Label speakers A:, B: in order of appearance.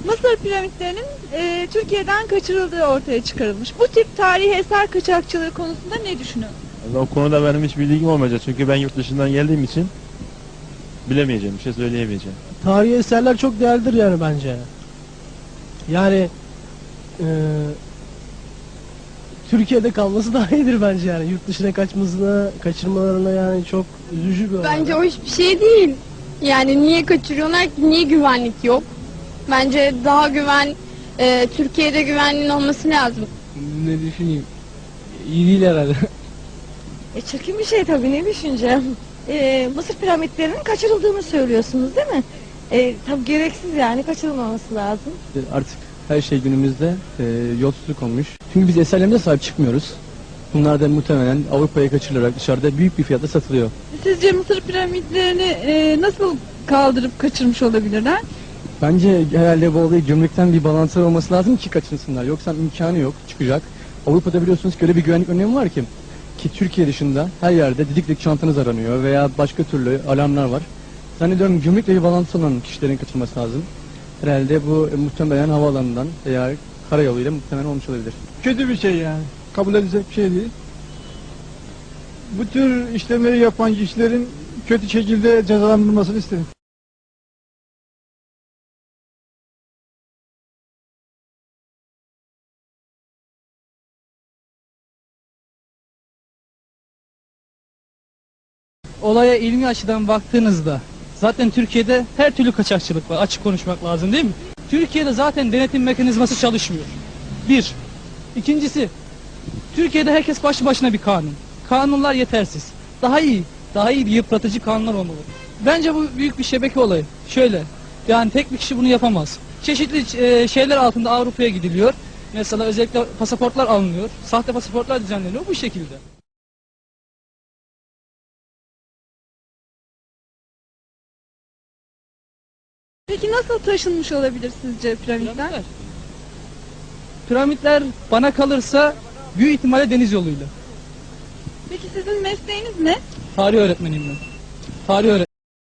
A: Mısır piramitlerinin Türkiye'den kaçırıldığı ortaya çıkarılmış. Bu tip tarihi eser kaçakçılığı konusunda ne düşünüyorsunuz?
B: O konuda benim hiç bilgim olmayacak çünkü ben yurt dışından geldiğim için bilemeyeceğim, bir şey söyleyemeyeceğim.
C: Tarihi eserler çok değerlidir yani bence. Yani Türkiye'de kalması daha iyidir bence yani. Yurt dışına kaçırmalarına yani çok üzücü bir olay.
D: Bence o hiçbir şey değil. Yani niye kaçırıyorlar ki? Niye güvenlik yok? Bence daha Türkiye'de güvenliğin olması lazım.
C: Ne düşüneyim? İyi değil herhalde.
E: Çirkin bir şey tabii, ne düşüneceğim. Mısır piramitlerinin kaçırıldığını söylüyorsunuz değil mi? Tabii gereksiz, yani kaçırılmaması lazım.
F: Artık her şey günümüzde yolsuzluk olmuş. Çünkü biz eserlerimize sahip çıkmıyoruz. Bunlar da muhtemelen Avrupa'ya kaçırılarak dışarıda büyük bir fiyata satılıyor.
A: Sizce Mısır piramitlerini nasıl kaldırıp kaçırmış olabilirler?
F: Bence herhalde bu olayı gümrükten bir bağlantıları olması lazım ki kaçırsınlar. Yoksa imkanı yok, çıkacak. Avrupa'da biliyorsunuz ki öyle bir güvenlik önlemi var ki Türkiye dışında her yerde didik çantanız aranıyor veya başka türlü alarmlar var. Zannediyorum gümrükle bir bağlantısı olan kişilerin kaçırılması lazım. Herhalde bu muhtemelen havaalanından veya karayoluyla muhtemelen olmuş olabilir.
G: Kötü bir şey yani. Kabul edilecek bir şey değil. Bu tür işlemleri yapan kişilerin kötü şekilde cezalandırılmasını isterim.
H: Olaya ilmi açıdan baktığınızda zaten Türkiye'de her türlü kaçakçılık var. Açık konuşmak lazım değil mi? Türkiye'de zaten denetim mekanizması çalışmıyor. Bir. İkincisi, Türkiye'de herkes başlı başına bir kanun. Kanunlar yetersiz. Daha iyi bir yıpratıcı kanunlar olmalı. Bence bu büyük bir şebeke olayı. Şöyle, yani tek bir kişi bunu yapamaz. Çeşitli şeyler altında Avrupa'ya gidiliyor. Mesela özellikle pasaportlar alınıyor. Sahte pasaportlar düzenleniyor bu şekilde.
A: Peki nasıl taşınmış olabilir sizce piramitler?
H: Piramitler bana kalırsa büyük ihtimalle deniz yoluyla.
A: Peki sizin mesleğiniz ne?
H: Tarih öğretmeniyim ben. Tarih öğretmeniyim.